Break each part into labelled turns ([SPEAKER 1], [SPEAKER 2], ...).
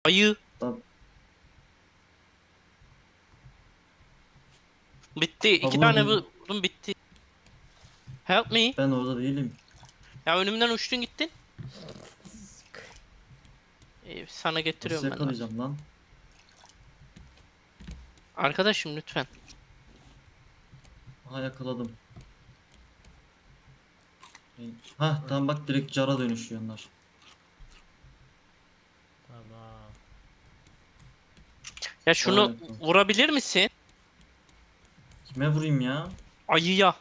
[SPEAKER 1] Ayı.
[SPEAKER 2] Tamam.
[SPEAKER 1] Bitti. İki
[SPEAKER 2] Vur
[SPEAKER 1] tane
[SPEAKER 2] bunu.
[SPEAKER 1] vurdum bitti. Help me.
[SPEAKER 2] Ben orada değilim.
[SPEAKER 1] Ya önümden uçtun gittin. Sana
[SPEAKER 2] Nasıl
[SPEAKER 1] getiriyorum ben de.
[SPEAKER 2] yakalayacağım lan?
[SPEAKER 1] Arkadaşım lütfen.
[SPEAKER 2] Aha yakaladım. Ha tamam bak direkt cara dönüşüyorlar.
[SPEAKER 3] Tamam.
[SPEAKER 1] Ya
[SPEAKER 2] Daha
[SPEAKER 1] şunu
[SPEAKER 2] yakın.
[SPEAKER 1] vurabilir misin?
[SPEAKER 2] Kime vurayım ya?
[SPEAKER 1] Ayıya.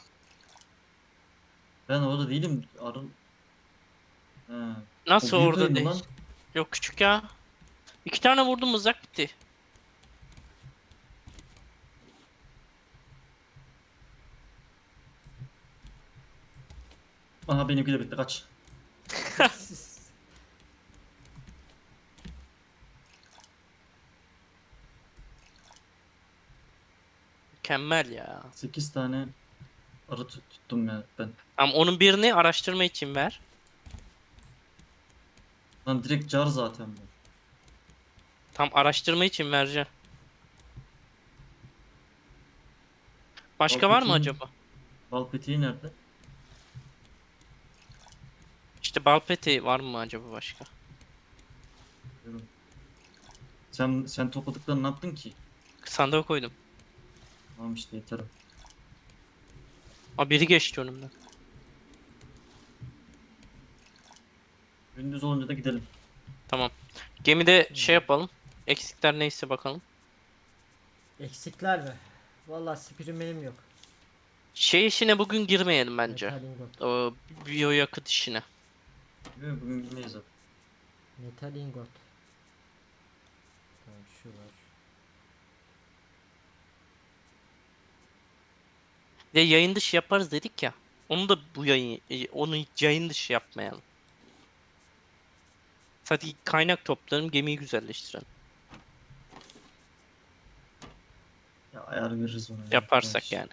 [SPEAKER 2] Ben orada değilim. Arın. He. O
[SPEAKER 1] Nasıl
[SPEAKER 2] büyük ayı
[SPEAKER 1] orada
[SPEAKER 2] mı
[SPEAKER 1] değil?
[SPEAKER 2] lan?
[SPEAKER 1] Yok küçük ya. İki tane vurdum mızrak bitti.
[SPEAKER 2] Aha benimki de bitti kaç.
[SPEAKER 1] Mükemmel ya.
[SPEAKER 2] 8 tane arı tuttum ya ben.
[SPEAKER 1] Tamam onun birini araştırma için ver.
[SPEAKER 2] Lan direkt car zaten bu.
[SPEAKER 1] Tam araştırma için vereceğim.
[SPEAKER 2] Bal
[SPEAKER 1] Başka var mı
[SPEAKER 2] peteğin,
[SPEAKER 1] acaba?
[SPEAKER 2] bal peteği nerede?
[SPEAKER 1] İşte balpeti var mı acaba başka?
[SPEAKER 2] Bilmiyorum. Sen topladıklarını ne yaptın ki?
[SPEAKER 1] Sandığa koydum.
[SPEAKER 2] Tamam işte yeter.
[SPEAKER 1] Aa biri geçti önümden.
[SPEAKER 2] Gündüz olunca da gidelim.
[SPEAKER 1] Tamam. Gemide şey
[SPEAKER 3] Şimdi
[SPEAKER 1] yapalım. Eksikler neyse bakalım.
[SPEAKER 3] eksikler mi? Vallahi spirim benim yok.
[SPEAKER 1] Şey işine bugün girmeyelim bence.
[SPEAKER 3] Metal ingot.
[SPEAKER 1] O biyoyakıt işine.
[SPEAKER 2] Bilmiyorum, bugün bilmeyiz zaten.
[SPEAKER 3] Metal ingot. Tamam şu var.
[SPEAKER 1] De yayın dışı yaparız dedik ya. Onu da bu onu yayın dışı yapmayalım. Sadece kaynak toplayalım, gemiyi güzelleştirelim.
[SPEAKER 2] Ya ayar veririz ona ya.
[SPEAKER 1] Yaparsak
[SPEAKER 2] Boş.
[SPEAKER 1] yani.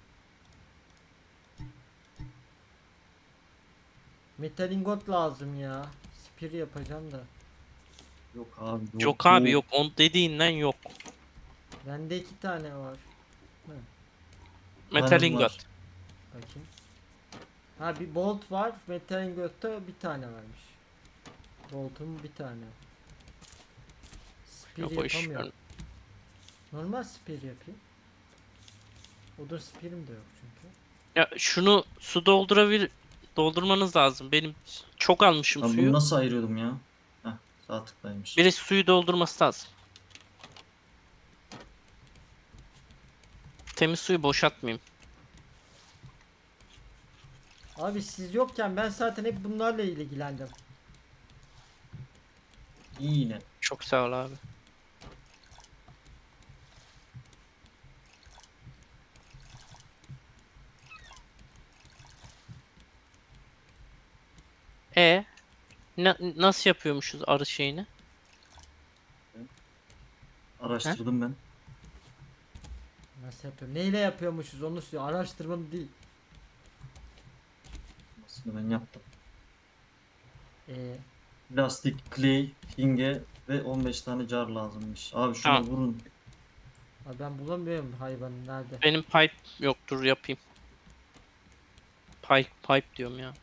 [SPEAKER 3] Metal ingot lazım ya. Spir yapacağım da.
[SPEAKER 2] Yok abi yok
[SPEAKER 1] Yok abi
[SPEAKER 2] yok.
[SPEAKER 1] yok. On dediğinden yok.
[SPEAKER 3] Bende 2 tane var. Hı,
[SPEAKER 1] Metal
[SPEAKER 2] Tanem
[SPEAKER 1] ingot.
[SPEAKER 2] var.
[SPEAKER 3] bakayım. Ha bir bolt var. Metal ingotta bir tane varmış. Boltum bir tane. Spir
[SPEAKER 1] Yok o iş.
[SPEAKER 3] yapamıyorum. Normal spir yapayım. Odun spirim de yok çünkü.
[SPEAKER 1] Ya şunu su doldurmanız lazım. Benim çok almışım
[SPEAKER 2] Ben bunu
[SPEAKER 1] suyu.
[SPEAKER 2] nasıl ayırıyordum ya? Heh, sağ tıklaymış.
[SPEAKER 1] Birisi suyu doldurması lazım. Temiz suyu boşaltmayayım.
[SPEAKER 3] Abi siz yokken ben zaten hep bunlarla ilgilendim.
[SPEAKER 2] İyi yine.
[SPEAKER 1] Çok sağ ol abi. E nasıl yapıyormuşuz arı şeyini? He?
[SPEAKER 2] Araştırdım ben.
[SPEAKER 3] Nasıl yapıyorum? Neyle yapıyormuşuz onu söyle. Araştırmanı değil.
[SPEAKER 2] Aslında ben yaptım.
[SPEAKER 3] Ee,
[SPEAKER 2] Plastik, clay, hinge ve 15 tane car lazımmış. Abi şuna
[SPEAKER 1] Tamam.
[SPEAKER 2] vurun.
[SPEAKER 3] abi ben bulamıyorum hayvanı nerede?
[SPEAKER 1] Benim pipe yoktur yapayım. Pipe diyorum ya.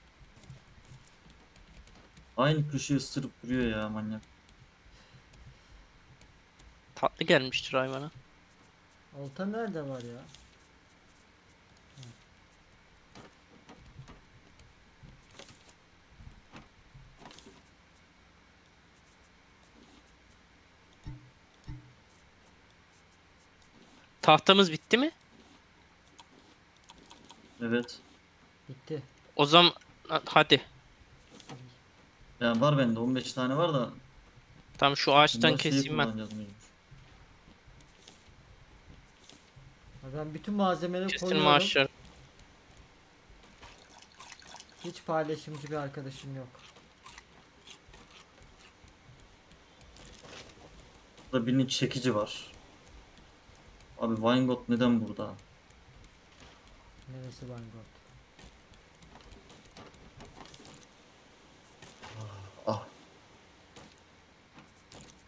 [SPEAKER 2] Aynı köşeyi ısırıp duruyor ya manyak.
[SPEAKER 1] Tatlı gelmiştir hayvana.
[SPEAKER 3] Olta nerede var ya?
[SPEAKER 1] Tahtamız bitti mi?
[SPEAKER 2] Evet.
[SPEAKER 3] Bitti.
[SPEAKER 1] O zaman hadi.
[SPEAKER 2] Yani var bende 15 tane var da
[SPEAKER 1] Tamam şu ağaçtan
[SPEAKER 2] bunları şeyi
[SPEAKER 1] keseyim ben.
[SPEAKER 2] kullanacağız mecbur.
[SPEAKER 3] Abi ben bütün malzemeleri
[SPEAKER 1] Kesin
[SPEAKER 3] koyuyorum.
[SPEAKER 1] maaşlar.
[SPEAKER 3] Hiç paylaşımcı bir arkadaşım yok.
[SPEAKER 2] Burada birinin çekici var. Abi Weingot neden burada?
[SPEAKER 3] Neresi Vanguard?
[SPEAKER 2] Ah.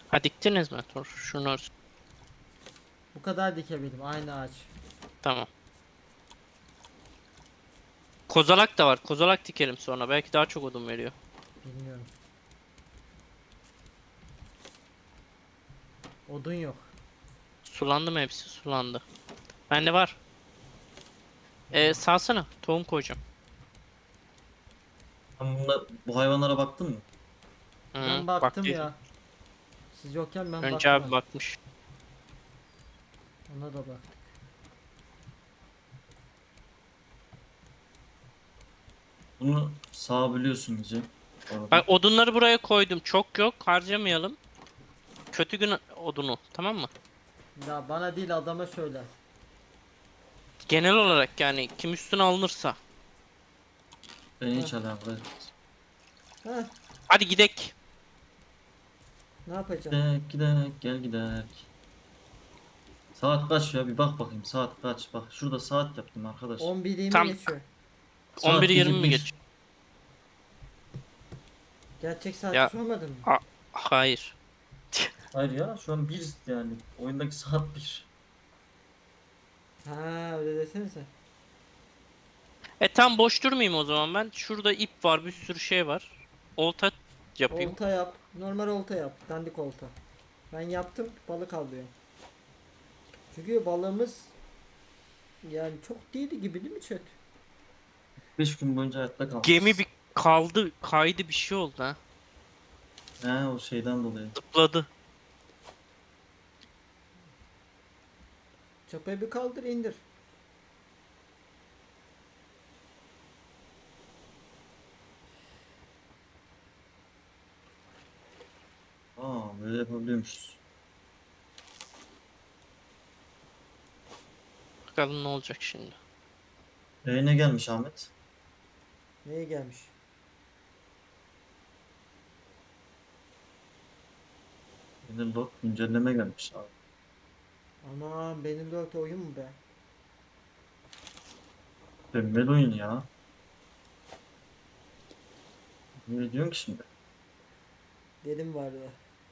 [SPEAKER 1] Ha diktiniz mi? Dur şunu
[SPEAKER 3] Bu kadar dikebildim. Aynı ağaç.
[SPEAKER 1] tamam. Kozalak da var. Kozalak dikelim sonra. Belki daha çok odun veriyor.
[SPEAKER 3] Bilmiyorum. Odun yok.
[SPEAKER 1] Sulandı mı hepsi? Sulandı. Bende var. Salsana. Tohum koyacağım.
[SPEAKER 2] Bu hayvanlara baktın mı?
[SPEAKER 1] Hı,
[SPEAKER 3] Ben baktım
[SPEAKER 1] baktıydım.
[SPEAKER 3] ya. Siz yokken ben
[SPEAKER 1] Önce
[SPEAKER 3] baktım.
[SPEAKER 1] abi bakmış.
[SPEAKER 3] Ona da baktık.
[SPEAKER 2] Bunu sağabiliyorsun iyice. Bu arada.
[SPEAKER 1] Bak odunları buraya koydum. Çok yok. Harcamayalım. Kötü gün odunu. Tamam mı?
[SPEAKER 3] Ya bana değil adama söyle.
[SPEAKER 1] Genel olarak yani kim üstüne alınırsa.
[SPEAKER 2] Beni hiç alakadar etmez.
[SPEAKER 3] Heh,
[SPEAKER 1] Hadi gidek.
[SPEAKER 3] ne yapacağım?
[SPEAKER 2] Gidek gel gidek. Saat kaç ya bir bak bakayım saat kaç. Bak şurada saat yaptım arkadaş.
[SPEAKER 3] 11:20
[SPEAKER 1] Tam
[SPEAKER 3] geçiyor.
[SPEAKER 2] Saat
[SPEAKER 1] 11:20
[SPEAKER 2] gece
[SPEAKER 1] mi
[SPEAKER 2] 1.
[SPEAKER 1] geç?
[SPEAKER 3] Gerçek saati
[SPEAKER 1] Ya
[SPEAKER 3] sormadın mı?
[SPEAKER 1] hayır.
[SPEAKER 2] Hayır ya şu an 1 yani. Oyundaki saat 1.
[SPEAKER 3] Ha öyle desenize.
[SPEAKER 1] Tam boş durmayayım o zaman ben. Şurada ip var, bir sürü şey var. Olta yapayım.
[SPEAKER 3] Olta yap. Normal olta yap. Dandik olta. Ben yaptım. Balık alıyor. Çünkü balığımız yani çok değildi gibi değil mi chat?
[SPEAKER 2] 5 gün boyunca hayatta kalmış.
[SPEAKER 1] Gemi bir kaldı, kaydı bir şey oldu ha.
[SPEAKER 2] He o şeyden dolayı.
[SPEAKER 1] Zıpladı.
[SPEAKER 3] Çapayı bir kaldır indir.
[SPEAKER 2] Böyle yapabiliyormuşuz.
[SPEAKER 1] Bakalım ne olacak şimdi.
[SPEAKER 2] Ne gelmiş Ahmet?
[SPEAKER 3] Neye gelmiş?
[SPEAKER 2] Log güncelleme gelmiş abi.
[SPEAKER 3] Aman benim 4 oyun mu be?
[SPEAKER 2] Mükemmel oyun ya. Ne diyorsun ki şimdi?
[SPEAKER 3] Dedim vardı.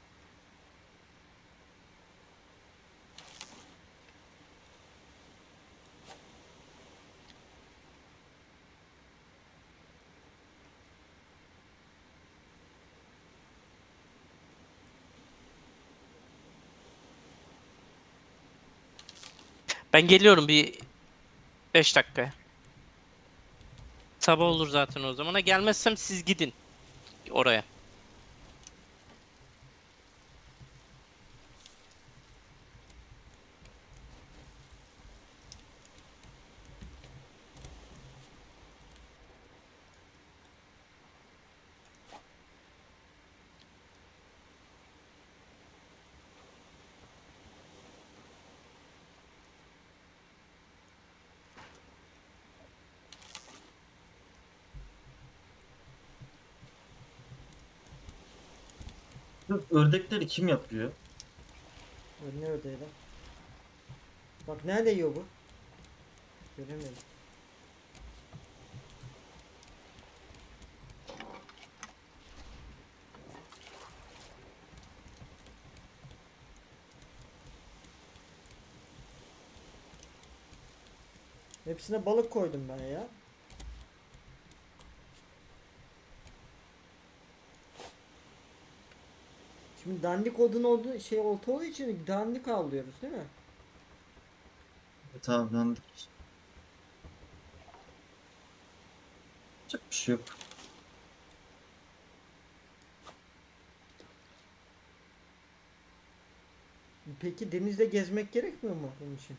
[SPEAKER 1] Ben geliyorum bir 5 dakikaya. Sabah olur zaten o zamana. Gelmezsem siz gidin oraya.
[SPEAKER 2] Bu ördekleri kim yapıyor?
[SPEAKER 3] Ne ördeydi? Bak nerede yiyor bu? Göremedim. Hepsine balık koydum ben ya. Şimdi dandik odun olduğu şey olta olduğu için dandik avlıyoruz değil mi?
[SPEAKER 2] Evet abi ben yapacak bir şey yok.
[SPEAKER 3] Peki denizde gezmek gerekmiyor mu bunun için?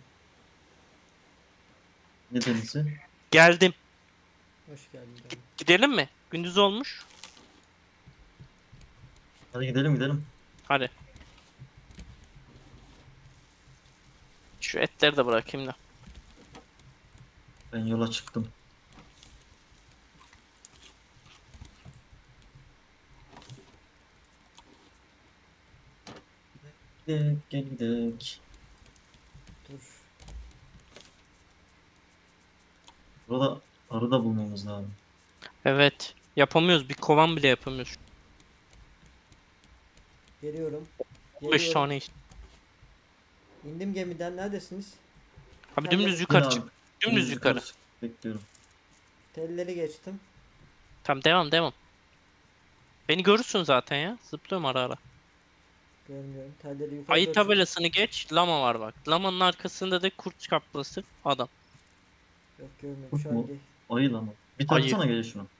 [SPEAKER 2] Ne denizi?
[SPEAKER 1] Geldim.
[SPEAKER 3] Hoş geldin canım.
[SPEAKER 1] Gidelim mi? Gündüz olmuş.
[SPEAKER 2] Hadi gidelim gidelim.
[SPEAKER 1] Hadi. Şu etleri de bırakayım da.
[SPEAKER 2] Ben yola çıktım. Gidek gel gidek.
[SPEAKER 3] Dur.
[SPEAKER 2] Burada arı da bulmamız lazım.
[SPEAKER 1] Evet. Yapamıyoruz. Bir kovan bile yapamıyoruz.
[SPEAKER 3] Geliyorum.
[SPEAKER 1] 5
[SPEAKER 3] Geliyorum.
[SPEAKER 1] tane işte.
[SPEAKER 3] İndim gemiden. Neredesiniz?
[SPEAKER 1] Abi
[SPEAKER 3] Telleri-
[SPEAKER 1] dümdüz yukarı
[SPEAKER 2] Yine
[SPEAKER 1] çık.
[SPEAKER 2] abi.
[SPEAKER 1] Dümdüz yukarı.
[SPEAKER 2] çık. Bekliyorum.
[SPEAKER 3] Telleri geçtim.
[SPEAKER 1] Tamam, devam devam. Beni görürsün zaten ya. Zıplıyorum ara ara.
[SPEAKER 3] Görmüyorum. Telleri yukarı
[SPEAKER 1] Ayı
[SPEAKER 3] doğru çık.
[SPEAKER 1] tabelasını geç. Lama var bak. Lamanın arkasında da kurt kaplası adam.
[SPEAKER 3] Yok görmüyorum.
[SPEAKER 2] Kurt
[SPEAKER 3] Şu an
[SPEAKER 2] mu? Ayı lan o. Bir
[SPEAKER 1] Ayı.
[SPEAKER 2] taksana gel şunu.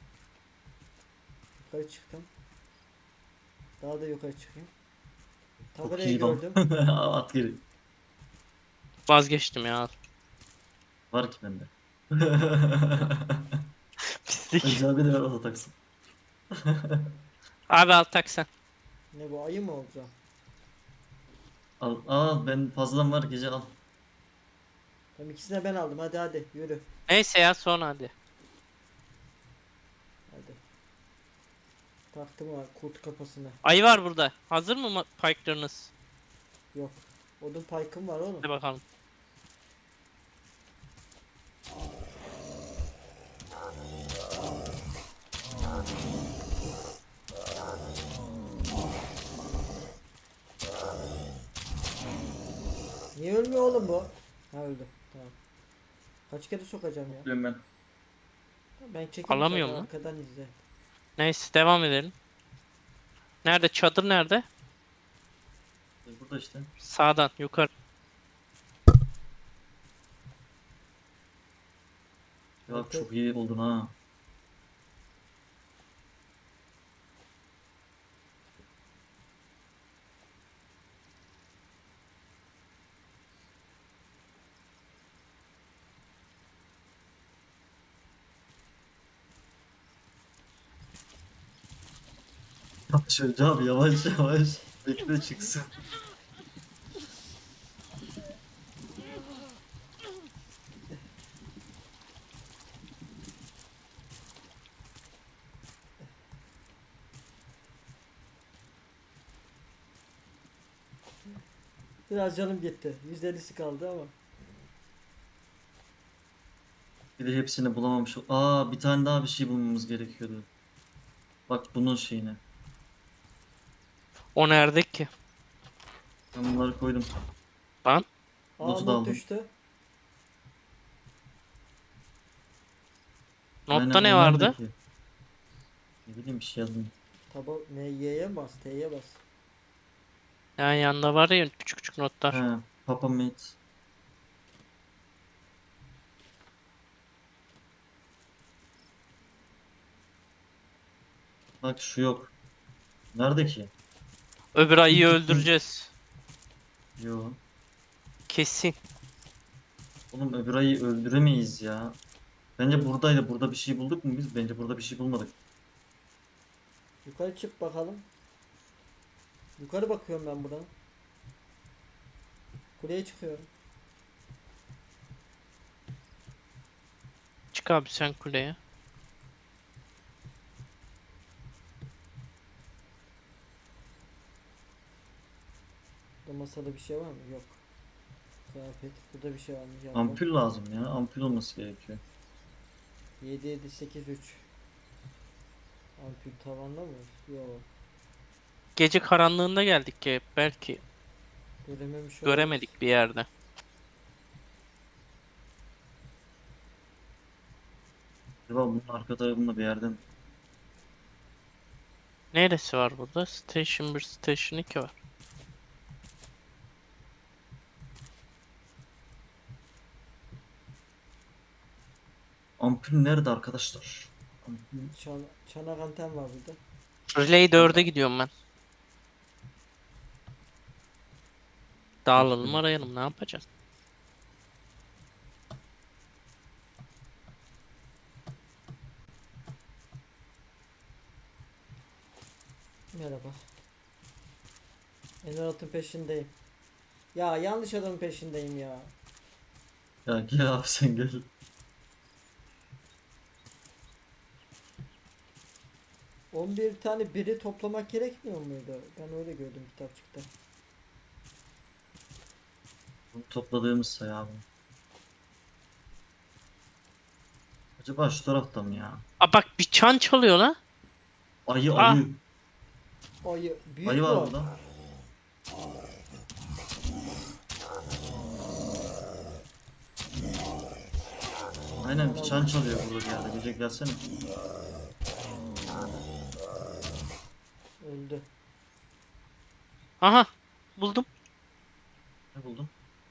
[SPEAKER 3] yukarı çıktım. Daha da yukarı çıkayım.
[SPEAKER 2] Çok
[SPEAKER 3] Tabelayı
[SPEAKER 2] iyi lan.
[SPEAKER 3] gördüm.
[SPEAKER 2] At geri.
[SPEAKER 1] Vazgeçtim ya.
[SPEAKER 2] Var ki bende.
[SPEAKER 1] Pislik.
[SPEAKER 2] Önce abi de ver o da taksın.
[SPEAKER 1] Abi al tak sen.
[SPEAKER 3] Ne bu, ayı mı olacağım?
[SPEAKER 2] Al ben fazladan var gece al.
[SPEAKER 3] Tamam, ikisini de ben aldım. Hadi hadi yürü.
[SPEAKER 1] Neyse ya, sonra hadi.
[SPEAKER 3] Hadi. Taktım o kurt kafasına.
[SPEAKER 1] Ayı var burada. Hazır mı pike'larınız?
[SPEAKER 3] Yok. Odun paykım var oğlum.
[SPEAKER 1] Hadi bakalım.
[SPEAKER 3] Niye ölmüyor oğlum bu? Ha, öldü. Tamam. Kaç kere sokacağım ya?
[SPEAKER 2] Diyorum ben.
[SPEAKER 3] Ben çekeyim
[SPEAKER 1] Alamıyor
[SPEAKER 3] zaten,
[SPEAKER 1] mu?
[SPEAKER 3] arkadan izle.
[SPEAKER 1] Neyse, devam edelim. Nerede? Çadır nerede?
[SPEAKER 2] Burada işte.
[SPEAKER 1] Sağdan yukarı.
[SPEAKER 2] Ya
[SPEAKER 3] Evet.
[SPEAKER 2] çok iyi oldun ha. Yavaş önce abi yavaş yavaş. Bekle çıksın.
[SPEAKER 3] Biraz canım gitti. %50'si kaldı ama.
[SPEAKER 2] Bir de hepsini bulamamış. Aa bir tane daha bir şey bulmamız gerekiyordu. Bak bunun şeyine.
[SPEAKER 1] O nerede ki?
[SPEAKER 2] Ben bunları koydum.
[SPEAKER 1] Lan.
[SPEAKER 3] Aa,
[SPEAKER 2] Notu da
[SPEAKER 3] not
[SPEAKER 2] aldım.
[SPEAKER 3] düştü.
[SPEAKER 1] Notta
[SPEAKER 2] Aynen,
[SPEAKER 1] ne
[SPEAKER 2] o
[SPEAKER 1] vardı?
[SPEAKER 2] nerede ki? Ne bileyim bir şey yazdım.
[SPEAKER 3] Taba ne, Y'ye mi bas, T'ye bas.
[SPEAKER 1] Yani yanında var ya küçük küçük notlar.
[SPEAKER 2] He, Papa Mate. Bak şu yok. Nerede ki?
[SPEAKER 1] Öbür ayıyı
[SPEAKER 2] İlk
[SPEAKER 1] öldüreceğiz.
[SPEAKER 2] Yo.
[SPEAKER 1] Kesin.
[SPEAKER 2] Oğlum öbür ayı öldüremeyiz ya. Bence buradaydı. Burada bir şey bulduk mu biz? Bence burada bir şey bulmadık.
[SPEAKER 3] Yukarı çık bakalım. Yukarı bakıyorum ben buradan. Kuleye çıkıyorum.
[SPEAKER 1] Çık abi sen kuleye.
[SPEAKER 3] Burada masada bir şey var mı? Yok. Kıyafet. Burada bir şey var mı? Yok.
[SPEAKER 2] Ampul lazım ya. Ampul olması gerekiyor.
[SPEAKER 3] 7 7 8 3. Ampul tavanda mı? Yok.
[SPEAKER 1] Gece karanlığında geldik ki belki
[SPEAKER 3] Görememiş olabiliriz.
[SPEAKER 1] göremedik bir yerde.
[SPEAKER 2] Acaba bunun arka tarafında bir yerden.
[SPEAKER 1] Neresi var burada? Station 1, Station 2 var.
[SPEAKER 2] Ampul nerede arkadaşlar? Ampul.
[SPEAKER 3] Çanak anten var burada.
[SPEAKER 1] Relay 4'e gidiyorum ben. Dağılalım, arayalım, ne yapacağız?
[SPEAKER 3] Merhaba. Emerald'ın peşindeyim. Ya yanlış adamın peşindeyim ya.
[SPEAKER 2] Ya gel abi sen gel.
[SPEAKER 3] Bir tane biri toplamak gerekmiyor muydu? Ben öyle gördüm kitapçıkta.
[SPEAKER 2] Bunu topladığımız sayı abi. Acaba şu tarafta mı ya?
[SPEAKER 1] Aa bak, bir çan çalıyor lan.
[SPEAKER 2] Ayı
[SPEAKER 1] Ah.
[SPEAKER 2] ayı.
[SPEAKER 3] Ayı. Büyük
[SPEAKER 2] Ayı
[SPEAKER 3] mü
[SPEAKER 2] var
[SPEAKER 3] o?
[SPEAKER 2] burada. Aynen bir çan çalıyor burada bir yerde. Gece gelsene.
[SPEAKER 3] Öldü.
[SPEAKER 1] Aha buldum.
[SPEAKER 2] Ne buldun?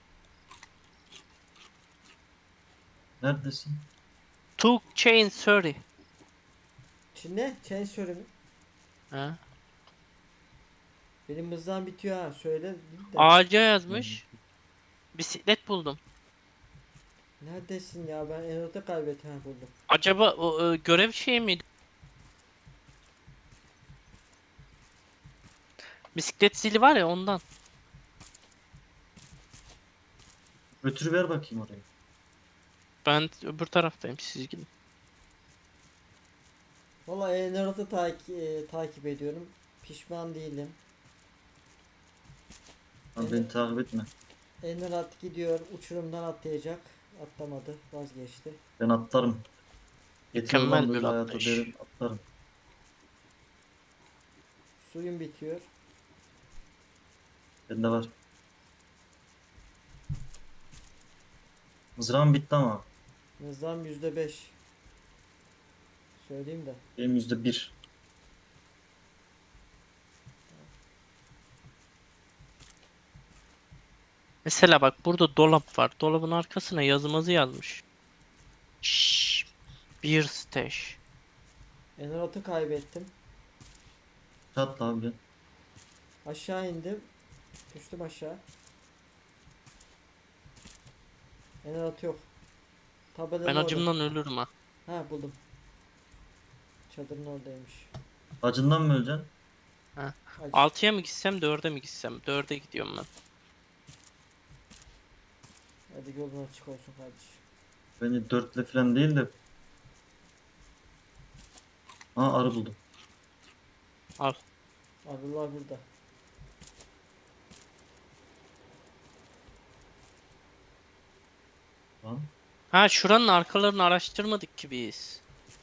[SPEAKER 2] Neredesin?
[SPEAKER 1] Two chain 30.
[SPEAKER 3] Şimdi ne? Chain söyle mi?
[SPEAKER 1] Ha.
[SPEAKER 3] Benim hızdan bitiyor ha. Söyle de.
[SPEAKER 1] Ağaca yazmış. Bisiklet buldum.
[SPEAKER 3] Neredesin ya? Ben Enot'u kaybettim. Ha buldum.
[SPEAKER 1] Acaba o görev şey miydi? Bisiklet zili var ya ondan.
[SPEAKER 2] Götür ver bakayım oraya.
[SPEAKER 1] Ben öbür taraftayım, siz gidin.
[SPEAKER 3] Valla Enot'u takip ediyorum. Pişman değilim.
[SPEAKER 2] Lan beni takip etme.
[SPEAKER 3] Enot gidiyor. Uçurumdan atlayacak. Atlamadı. Vazgeçti.
[SPEAKER 2] Ben atlarım. Yeter
[SPEAKER 1] Mükemmel
[SPEAKER 2] lan
[SPEAKER 1] bir
[SPEAKER 2] böyle hayata
[SPEAKER 1] atlayış.
[SPEAKER 2] derim atlarım.
[SPEAKER 3] Suyun bitiyor.
[SPEAKER 2] Bende var. Mızrağım bitti ama.
[SPEAKER 3] Hızdan %5. Söyleyeyim de.
[SPEAKER 2] Benim %1.
[SPEAKER 1] Mesela bak burada dolap var. Dolabın arkasına yazımızı yazmış. Şşş, bir stash.
[SPEAKER 3] Enot'u kaybettim.
[SPEAKER 2] Çatla abi gel.
[SPEAKER 3] Aşağı indim. Düştüm aşağı. Enot yok. Tabelanın
[SPEAKER 1] Ben
[SPEAKER 3] orada.
[SPEAKER 1] acımdan ölürüm ha.
[SPEAKER 3] Ha buldum. Çadırın oradaymış.
[SPEAKER 2] Acından mı öleceksin?
[SPEAKER 3] Acı.
[SPEAKER 1] 6'ya mı gitsem 4'e mi gitsem? 4'e gidiyorum ben.
[SPEAKER 3] Hadi yolun açık olsun kardeşim.
[SPEAKER 2] Beni dörtle falan değil de. Aa arı buldum.
[SPEAKER 1] Al.
[SPEAKER 3] Arılar burada.
[SPEAKER 2] Lan.
[SPEAKER 1] Ha şuranın arkalarını araştırmadık ki biz.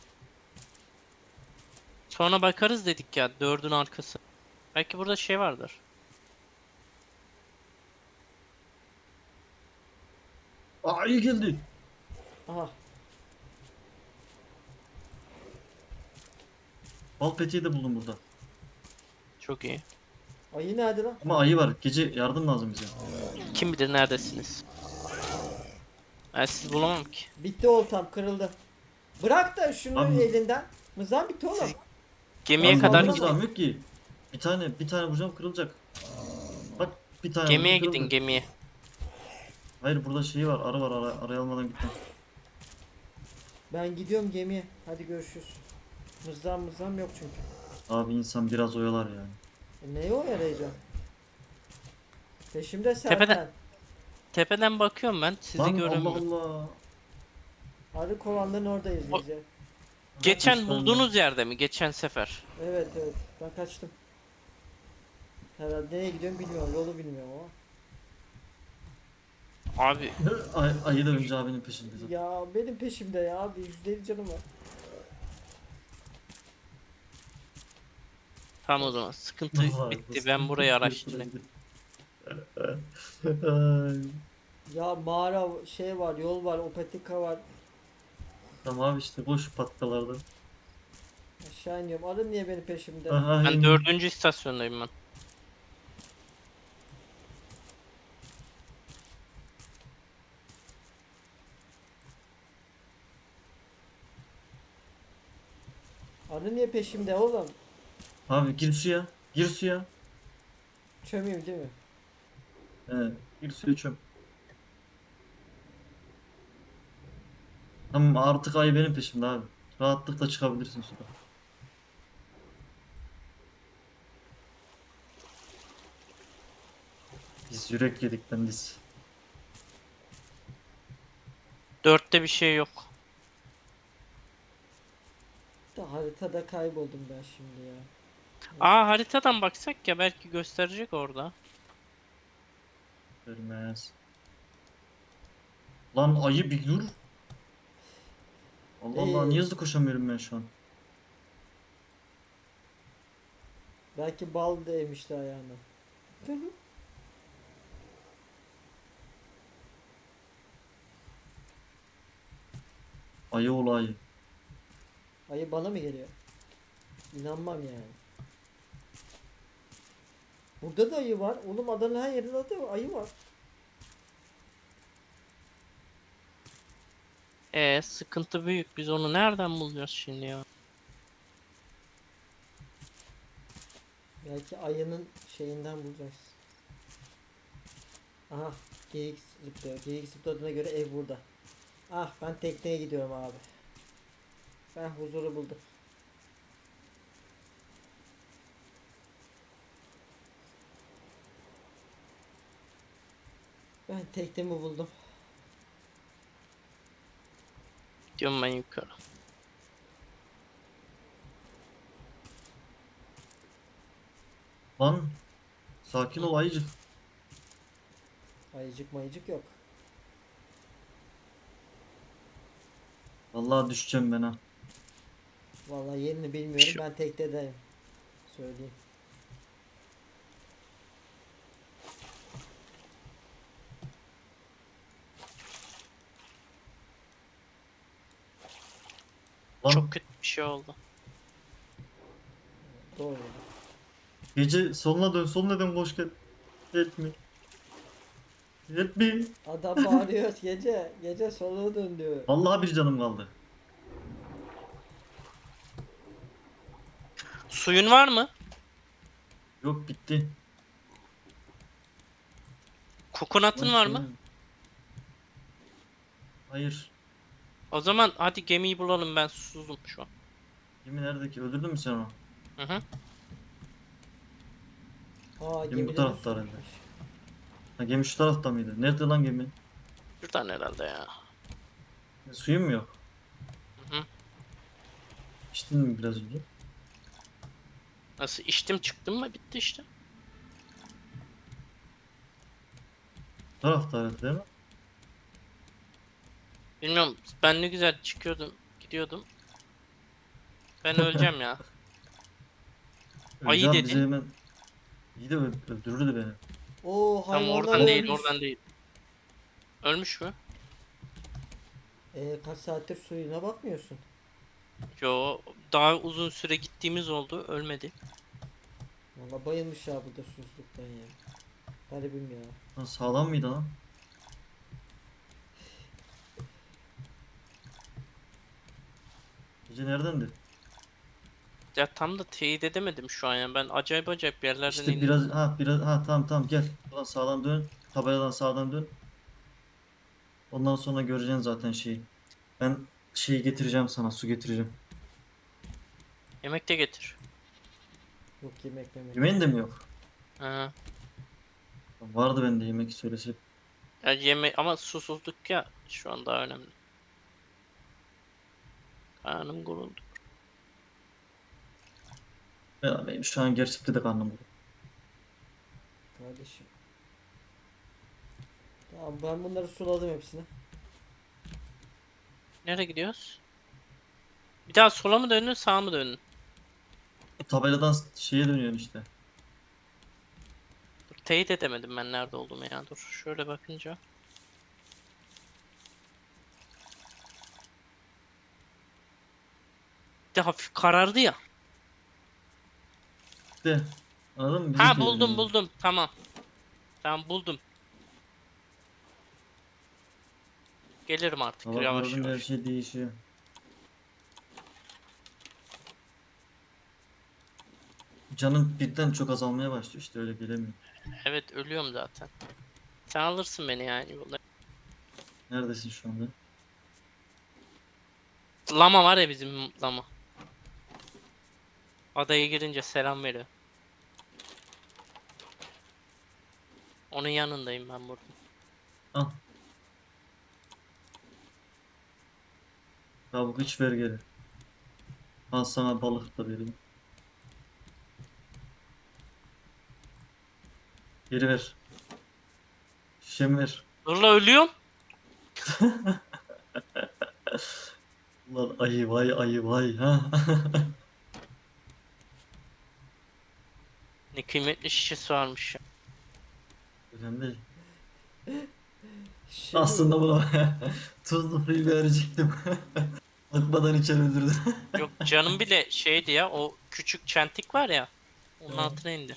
[SPEAKER 1] Sonra bakarız dedik ya 4'ün arkası. Belki burada şey vardır.
[SPEAKER 2] Aa iyi geldi.
[SPEAKER 3] Aha.
[SPEAKER 2] Bal peteği de buldum burada.
[SPEAKER 1] Çok iyi.
[SPEAKER 3] Ayı nerede lan?
[SPEAKER 2] Ama ayı var. Gece yardım lazım bize.
[SPEAKER 1] Kim bilir neredesiniz? Ben sizi bulamam ki.
[SPEAKER 3] Bitti oltam kırıldı. Bırak da şunu
[SPEAKER 2] Abi-
[SPEAKER 3] elinden. Mızan bitti oğlum.
[SPEAKER 1] Siz- Gemiye
[SPEAKER 2] Lan
[SPEAKER 1] kadar
[SPEAKER 2] vallahi
[SPEAKER 1] gidin.
[SPEAKER 2] mızrağım yok ki. Bir tane vuracağım kırılacak. Bak bir tane
[SPEAKER 1] Gemiye
[SPEAKER 2] vurdum,
[SPEAKER 1] gidin
[SPEAKER 2] kırıldı.
[SPEAKER 1] gemiye.
[SPEAKER 2] Hayır burada şey var. Arı var. Arayı almadan gitme.
[SPEAKER 3] Ben gidiyorum gemiye. Hadi görüşürüz. Mızram yok çünkü.
[SPEAKER 2] Abi insan biraz oyalar yani.
[SPEAKER 3] Neye o yarayacağım? Peşimde Serkan.
[SPEAKER 1] Tepeden bakıyorum ben. Sizi
[SPEAKER 2] Lan
[SPEAKER 1] göremiyorum.
[SPEAKER 2] Allah Allah.
[SPEAKER 3] Arı kovanların oradayız
[SPEAKER 1] O-
[SPEAKER 3] biz ya.
[SPEAKER 1] Geçen
[SPEAKER 2] Kaçmış
[SPEAKER 1] bulduğunuz yerde mi? Geçen sefer.
[SPEAKER 3] Evet evet. Ben kaçtım. Herhalde nereye gidiyorum bilmiyorum. Yolu bilmiyorum ama.
[SPEAKER 1] Abi
[SPEAKER 2] Ayı da önce abinin peşinde zaten.
[SPEAKER 3] Ya benim peşimde ya abi. %50 canım var.
[SPEAKER 1] tamam o zaman. Sıkıntı
[SPEAKER 2] Vay,
[SPEAKER 1] bitti.
[SPEAKER 2] bu
[SPEAKER 1] Ben burayı
[SPEAKER 2] sıkıntı
[SPEAKER 1] araştırayım.
[SPEAKER 2] bitti. Ay.
[SPEAKER 3] Ya mağara şey var, yol var, o patika var.
[SPEAKER 2] Tamam abi işte boş patkalarda.
[SPEAKER 3] Aşağı iniyorum. Arı niye benim peşimde?
[SPEAKER 2] Aha,
[SPEAKER 1] Ben 4. istasyondayım ben.
[SPEAKER 3] Arı niye peşimde oğlum?
[SPEAKER 2] Abi gir suya. Gir suya.
[SPEAKER 3] Çömeyim değil mi?
[SPEAKER 2] He, gir suya çöm. Tamam artık ayı benim peşimde abi. Rahatlıkla çıkabilirsin sudan. Biz yürek yedik ben biz.
[SPEAKER 1] 4'te bir şey yok.
[SPEAKER 3] Da haritada kayboldum ben şimdi ya.
[SPEAKER 1] Aa haritadan baksak ya belki gösterecek orada.
[SPEAKER 2] Görmez. Lan ayı bir dur. Allah Allah niye hızlı koşamıyorum ben şu an?
[SPEAKER 3] Belki bal değmişti ayağına.
[SPEAKER 2] Ayı ol ayı.
[SPEAKER 3] Ayı bana mı geliyor? İnanmam yani. Burada da ayı var. Oğlum adanın her yerinde de ayı var.
[SPEAKER 1] Sıkıntı büyük. Biz onu nereden bulacağız şimdi ya?
[SPEAKER 3] Belki ayının şeyinden bulacağız. Aha, geyik zıplıyor. Geyik zıpladığına göre ev burada. Ah, ben tekneye gidiyorum abi. Ben huzuru buldum. Ben teknemi buldum.
[SPEAKER 1] Gidiyorum ben yukarı.
[SPEAKER 2] Lan sakin ol ayıcık.
[SPEAKER 3] Ayıcık mayıcık yok.
[SPEAKER 2] Vallahi düşeceğim ben ha.
[SPEAKER 3] Vallahi yerini bilmiyorum.
[SPEAKER 1] Şu-
[SPEAKER 3] Ben teknedeyim. Söyleyeyim.
[SPEAKER 2] Lan
[SPEAKER 1] Çok kötü bir şey oldu.
[SPEAKER 3] Doğru.
[SPEAKER 2] gece soluna dön, soluna dön, koş gel. Help me. Help me.
[SPEAKER 3] Adam bağırıyor gece. Gece soluğu dön diyor.
[SPEAKER 2] Vallahi bir canım kaldı.
[SPEAKER 1] Suyun var mı?
[SPEAKER 2] Yok bitti.
[SPEAKER 1] Kokonatın
[SPEAKER 2] Lan
[SPEAKER 1] var
[SPEAKER 2] şey
[SPEAKER 1] mı?
[SPEAKER 2] mi? Hayır.
[SPEAKER 1] O zaman hadi gemiyi bulalım, ben susuzum şu an.
[SPEAKER 2] Gemi nerede ki? Öldürdün mü sen onu?
[SPEAKER 1] Hı hı.
[SPEAKER 3] Aa,
[SPEAKER 2] Gemi bu
[SPEAKER 3] gemide
[SPEAKER 2] tarafta
[SPEAKER 3] su
[SPEAKER 2] herhalde.
[SPEAKER 3] bitmiş.
[SPEAKER 2] Ha, gemi şu tarafta mıydı? Nerede lan gemi?
[SPEAKER 1] Şuradan herhalde ya.
[SPEAKER 2] Suyun mu yok?
[SPEAKER 1] Hı hı.
[SPEAKER 2] İçtin mi biraz önce?
[SPEAKER 1] Nasıl içtim çıktım mı bitti işte.
[SPEAKER 2] Bu tarafta herhalde değil mi?
[SPEAKER 1] Bilmiyorum, ben ne güzel çıkıyordum gidiyordum. Ben öleceğim ya. Ayı
[SPEAKER 2] Öleceğim bizi
[SPEAKER 1] dedi.
[SPEAKER 2] hemen. İyi de öldürürdü beni.
[SPEAKER 3] Oo,
[SPEAKER 1] Tam
[SPEAKER 3] hayvanlar
[SPEAKER 1] oradan değil,
[SPEAKER 3] ölmüş.
[SPEAKER 1] oradan değil. Ölmüş mü?
[SPEAKER 3] Kaç saattir suyuna bakmıyorsun.
[SPEAKER 1] Yo, daha uzun süre gittiğimiz oldu, ölmedi.
[SPEAKER 3] Valla bayılmış ya burada susuzluktan ya. Garibim ya.
[SPEAKER 2] Lan sağlam mıydı lan? Gece neredendi?
[SPEAKER 1] Ya tam da teyit edemedim şu an ya. Ben acayip acayip yerlerden
[SPEAKER 2] İşte
[SPEAKER 1] indim.
[SPEAKER 2] biraz tamam tamam gel. Buradan sağdan dön. Tabeladan sağdan dön. Ondan sonra göreceksin zaten şeyi. Ben şeyi getireceğim sana, su getireceğim.
[SPEAKER 1] Yemek de getir.
[SPEAKER 3] Yok, yemek memek.
[SPEAKER 2] Yemeğin de mi yok?
[SPEAKER 1] Ha.
[SPEAKER 2] Vardı bende yemek söylese.
[SPEAKER 1] Ya yemek ama susuzluk ya şu an daha önemli. Karnım guruldu.
[SPEAKER 2] Ya benim şu an gerçekten de karnım ağrıyor.
[SPEAKER 3] Kardeşim. Tamam, ben bunları suladım hepsini.
[SPEAKER 1] Nereye gidiyoruz? Bir daha sola mı dönün, sağa mı dönün?
[SPEAKER 2] Tabeladan şeye dönüyorsun işte.
[SPEAKER 1] Dur, teyit edemedim ben nerede olduğumu ya. Dur şöyle bakınca. Bir de hafif karardı ya.
[SPEAKER 2] De. Anladın mı?
[SPEAKER 1] Ha,
[SPEAKER 2] Bizimki
[SPEAKER 1] buldum
[SPEAKER 2] yani.
[SPEAKER 1] buldum. Tamam. Tamam buldum. Gelirim artık
[SPEAKER 2] Hava
[SPEAKER 1] yavaş
[SPEAKER 2] kararınca her
[SPEAKER 1] yavaş.
[SPEAKER 2] şey değişiyor. Canım birden çok azalmaya başlıyor işte öyle gelemiyor.
[SPEAKER 1] Evet, ölüyorum zaten. Sen alırsın beni yani yolda.
[SPEAKER 2] Neredesin şu anda?
[SPEAKER 1] Lama var ya, bizim lama. Adaya girince selam veriyor. Onun yanındayım ben burada.
[SPEAKER 2] Al. Kabuk iç ver geri. Al sana balık da vereyim. Geri ver. Şişemi ver.
[SPEAKER 1] Dur la, ölüyorum.
[SPEAKER 2] Ulan ayı vay ayı vay ha.
[SPEAKER 1] Ne kıymetli şişesi varmış ya.
[SPEAKER 2] Önemli değil.
[SPEAKER 3] Şey mi?
[SPEAKER 2] Aslında bunu tuzlu suyu verecektim. Bakmadan içeri öldürdü.
[SPEAKER 1] Yok canım bile şeydi ya, o küçük çentik var ya. Onun
[SPEAKER 2] Evet.
[SPEAKER 1] altına indi.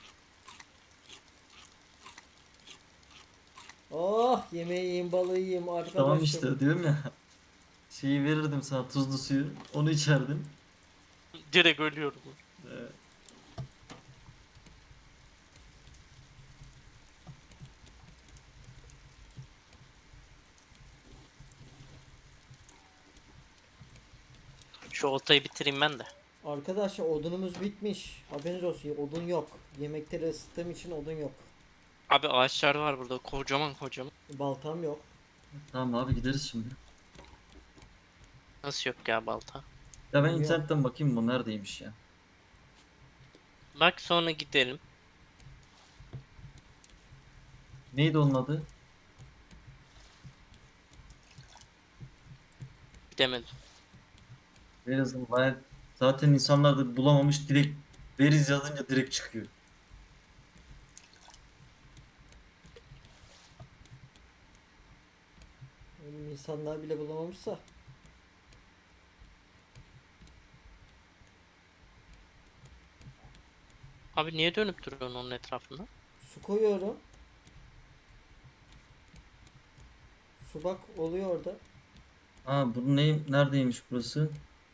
[SPEAKER 3] Oh, yemeği yiyeyim, balığı yiyeyim
[SPEAKER 2] Tamam
[SPEAKER 3] arkadaşım.
[SPEAKER 2] işte diyorum ya. Şeyi verirdim sana, tuzlu suyu. Onu içerdin.
[SPEAKER 1] Direkt ölüyorum.
[SPEAKER 2] Ee,
[SPEAKER 1] Şu oltayı bitireyim ben de.
[SPEAKER 3] Arkadaşlar odunumuz bitmiş. Haberiniz olsun, odun yok. Yemekleri ısıttığım için odun yok.
[SPEAKER 1] Abi ağaçlar var burada, kocaman kocaman.
[SPEAKER 3] Baltam yok.
[SPEAKER 2] tamam abi gideriz şimdi.
[SPEAKER 1] Nasıl yok ya balta?
[SPEAKER 2] Ya ben
[SPEAKER 3] Yok.
[SPEAKER 2] internetten bakayım bu neredeymiş ya.
[SPEAKER 1] Bak sonra gidelim.
[SPEAKER 2] Neydi onun adı?
[SPEAKER 1] Gidemedim.
[SPEAKER 2] Veriz'in bayağı zaten insanlar da bulamamış, direkt Veriz yazınca direkt çıkıyor.
[SPEAKER 3] Oğlum, insanlar bile bulamamışsa.
[SPEAKER 1] Abi niye dönüp duruyorsun onun etrafında?
[SPEAKER 3] Su koyuyorum. Su bak oluyor orada.
[SPEAKER 2] Ha bu neredeymiş burası?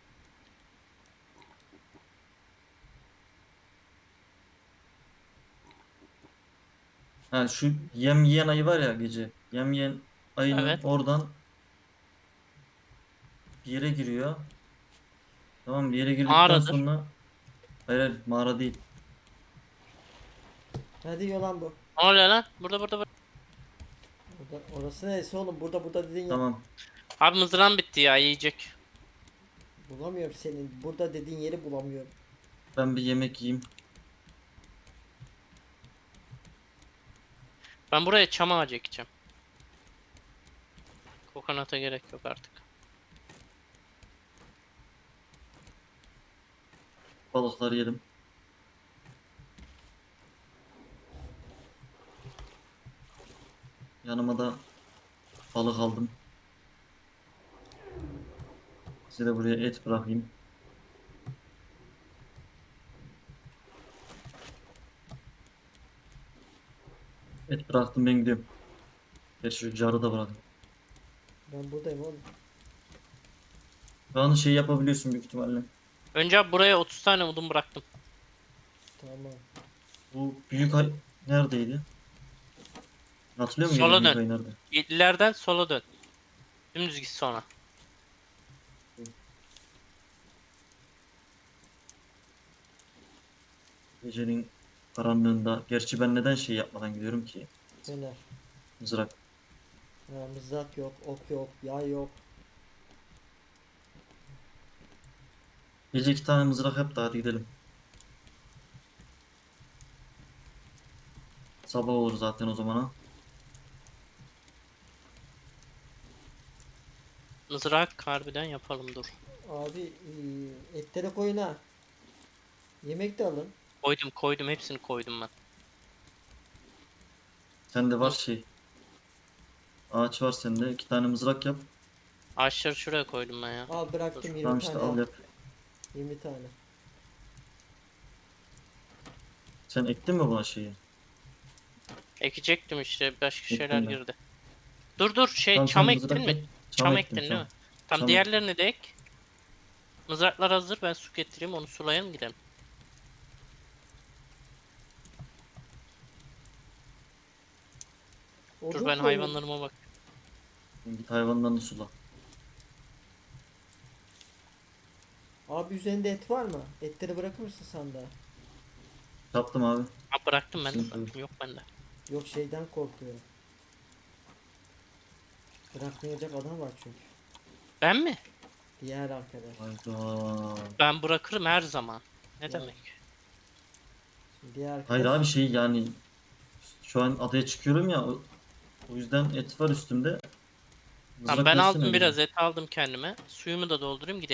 [SPEAKER 2] Ha şu yem yiyen ayı var ya gece. Yem yiyen ayının
[SPEAKER 1] Evet.
[SPEAKER 2] oradan bir yere giriyor. Tamam bir yere girdikten
[SPEAKER 1] Mağaradır.
[SPEAKER 2] sonra hayır mağara değil.
[SPEAKER 3] Hadi yalan bu.
[SPEAKER 1] Ne oluyor lan? Burada.
[SPEAKER 3] Orası neresi oğlum? Burada dediğin yer.
[SPEAKER 2] Tamam.
[SPEAKER 1] Abi mızrağım bitti ya, yiyecek.
[SPEAKER 3] Bulamıyorum senin. Burada dediğin yeri bulamıyorum.
[SPEAKER 2] Ben bir yemek yiyeyim.
[SPEAKER 1] Ben buraya çam ağacı ekeceğim. Kokonata gerek yok artık.
[SPEAKER 2] Balıkları yedim. Yanıma da balık aldım. Size de buraya et bırakayım. Et bıraktım ben gidiyorum. Gerçi şu carı da bıraktım.
[SPEAKER 3] Ben buradayım oğlum.
[SPEAKER 2] Şu an şey yapabiliyorsun büyük ihtimalle.
[SPEAKER 1] Önce abi buraya 30 tane odun bıraktım.
[SPEAKER 3] Tamam.
[SPEAKER 2] Bu büyük ay neredeydi? Hatırlıyor musun
[SPEAKER 1] Sola
[SPEAKER 2] büyük
[SPEAKER 1] dön.
[SPEAKER 2] ay nerede?
[SPEAKER 1] İleriden sola dön. Dümdüz git sonra.
[SPEAKER 2] Gecenin karanlığında. Gerçi ben neden şey yapmadan gidiyorum ki?
[SPEAKER 3] Döner.
[SPEAKER 2] Mızrak.
[SPEAKER 3] Ha, mızrak yok, ok yok, yay yok.
[SPEAKER 2] Gece 2 tane mızrak yap da hadi gidelim. Sabah olur zaten o zamana.
[SPEAKER 1] Mızrak harbiden yapalım, dur.
[SPEAKER 3] Abi etleri koyun ha. Yemek de alın.
[SPEAKER 1] Koydum hepsini koydum ben.
[SPEAKER 2] Sende var şey. Ağaç var sende. 2 tane mızrak yap.
[SPEAKER 1] Ağaçları şuraya koydum ben ya.
[SPEAKER 3] Al bıraktım
[SPEAKER 1] Dur.
[SPEAKER 3] 20
[SPEAKER 2] Tamam işte
[SPEAKER 3] tane
[SPEAKER 2] al
[SPEAKER 3] al.
[SPEAKER 2] yap.
[SPEAKER 3] 20 tane.
[SPEAKER 2] Sen ektin mi buna şeyi?
[SPEAKER 1] Ekecektim işte, başka
[SPEAKER 2] Ektim
[SPEAKER 1] şeyler
[SPEAKER 2] ben.
[SPEAKER 1] girdi. Dur
[SPEAKER 2] Tamam sen
[SPEAKER 1] çam ektin
[SPEAKER 2] mızrak
[SPEAKER 1] mi?
[SPEAKER 2] yap.
[SPEAKER 1] Çam
[SPEAKER 2] ektim
[SPEAKER 1] ektin değil mi?
[SPEAKER 2] çam.
[SPEAKER 1] Tam
[SPEAKER 2] Çam ektim.
[SPEAKER 1] diğerlerini de ek. Mızraklar hazır, ben su getireyim, onu sulayalım gidelim. Dur
[SPEAKER 3] Odun
[SPEAKER 1] ben
[SPEAKER 3] koyun.
[SPEAKER 1] hayvanlarıma bak.
[SPEAKER 2] Sen git hayvanlarını sula.
[SPEAKER 3] Abi üzerinde et var mı? Etleri bırakır mısın sandığa?
[SPEAKER 2] Yaptım abi.
[SPEAKER 1] Ha, bıraktım ben de
[SPEAKER 2] Sıkıntı yok.
[SPEAKER 1] bıraktım, yok bende.
[SPEAKER 3] Yok şeyden korkuyorum. Bırakmayacak adam var çünkü.
[SPEAKER 1] Ben mi?
[SPEAKER 3] Diğer arkadaş.
[SPEAKER 2] Hayda.
[SPEAKER 1] Ben bırakırım her zaman. Ne
[SPEAKER 3] Ya.
[SPEAKER 1] demek?
[SPEAKER 3] Şimdi diğer arkadaş.
[SPEAKER 2] Hayır abi şey yani şu an adaya çıkıyorum ya o yüzden et var üstümde.
[SPEAKER 1] Tamam
[SPEAKER 2] Mızrak
[SPEAKER 1] ben
[SPEAKER 2] versene
[SPEAKER 1] aldım,
[SPEAKER 2] bize.
[SPEAKER 1] biraz et aldım kendime. Suyumu da doldurayım gidelim.